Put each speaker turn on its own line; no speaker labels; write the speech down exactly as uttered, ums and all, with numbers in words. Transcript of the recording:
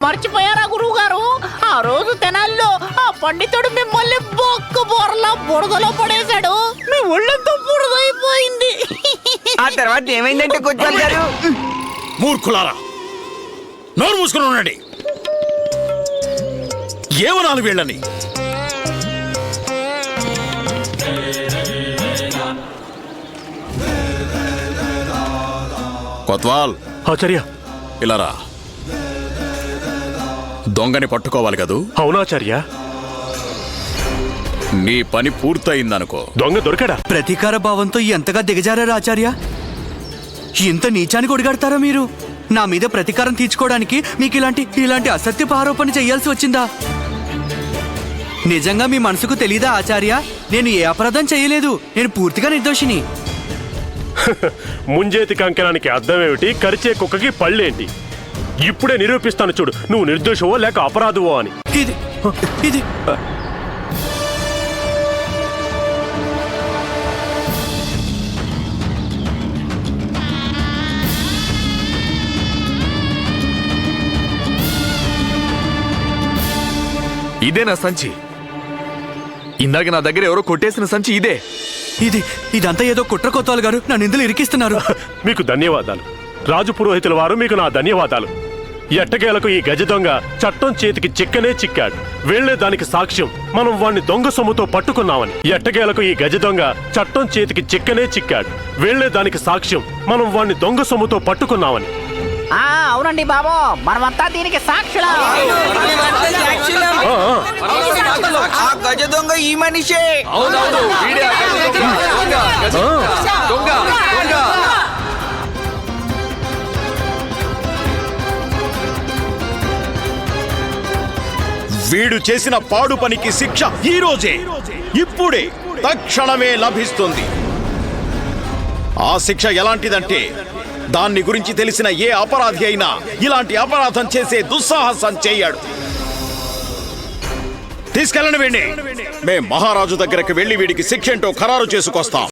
మర్చిపోయారా గురువు గారు? ఆ రోజు తెనాల్లో ఆ పండితుడు మిమ్మల్ని బొక్క బోర్లా బురదలో పడేశాడు. మీ ఒళ్ళంతా బురదైపోయింది.
ఆ తర్వాత ఏమైందంటే కొచ్చాలి గారు?
మూర్ఖులారా, నోరు మూసుకుని ఉండండి. ఏమనాలి వీళ్ళని? కొత్వాల్,
ఆచార్య.
ఇలారా. దొంగని పట్టుకోవాలి కదూ?
అవునాచార్య.
నీ పని పూర్తయిందనుకో.
దొంగ దొరికాడా?
ప్రతీకార భావంతో ఎంతగా దిగజారారా ఆచార్య? ఇంత నీచానికి ఒడిగడతారా మీరు? నా మీద ప్రతీకారం తీర్చుకోవడానికి మీకు ఇలాంటి ఇలాంటి అసత్యపు ఆరోపణ చేయాల్సి వచ్చిందా? నిజంగా మీ మనసుకు తెలీదా ఆచార్య? నేను ఏ అపరాధం చేయలేదు. నేను పూర్తిగా నిర్దోషిని.
ముంజేతి కంకణానికి అర్థమేమిటి, కరిచే కుక్కకి పళ్ళేంటి? ఇప్పుడే నిరూపిస్తాను చూడు, నువ్వు నిర్దోషవో లేక అపరాధవో అని.
ఇది ఇది
ఇదే నా సంచి. ఇందాక నా దగ్గర ఎవరో కొట్టేసిన సంచి ఇదే.
ఇది ఇదంతా ఏదో కుట్ర కొత్తవాళ్ళు గారు నన్ను ఇందులో ఇరికిస్తున్నారు.
మీకు ధన్యవాదాలు రాజు పురోహితుల వారు, మీకు నా ధన్యవాదాలు. ఎట్టకేలకు ఈ గజ దొంగ చట్టం చేతికి చిక్కనే చిక్కాడు. వెళ్లే దానికి సాక్ష్యం మనం వాణ్ణి దొంగ సొమ్ముతో పట్టుకున్నామని. ఎట్టకేలకు ఈ గజ దొంగ చట్టం చేతికి చిక్కనే చిక్కాడు. వెళ్లే దానికి సాక్ష్యం మనం వాణ్ణి దొంగ సొమ్ముతో పట్టుకున్నామని.
ఆ అవునండి బాబు, మనమంతా దీనికి సాక్షులం.
ఆ, ఆ.
ఆ గజ దొంగ ఈ మనిషే.
అవునవును, వీడే ఆ గజ దొంగ. దొంగ, గజ దొంగ, దొంగ, దొంగ.
వీడు చేసిన పాడు పనికి శిక్ష ఈ రోజే, ఇప్పుడే, తక్షణమే లభిస్తుంది. ఆ శిక్ష ఎలాంటిదంటే, దాన్ని గురించి తెలిసిన ఏ అపరాధి అయినా ఇలాంటి అపరాధం చేసే దుస్సాహసం చెయ్యాడు. తీసుకెళ్ళండి వీడిని. మేం మహారాజు దగ్గరకు వెళ్లి వీడికి శిక్ష ఏంటో ఖరారు చేసుకొస్తాం.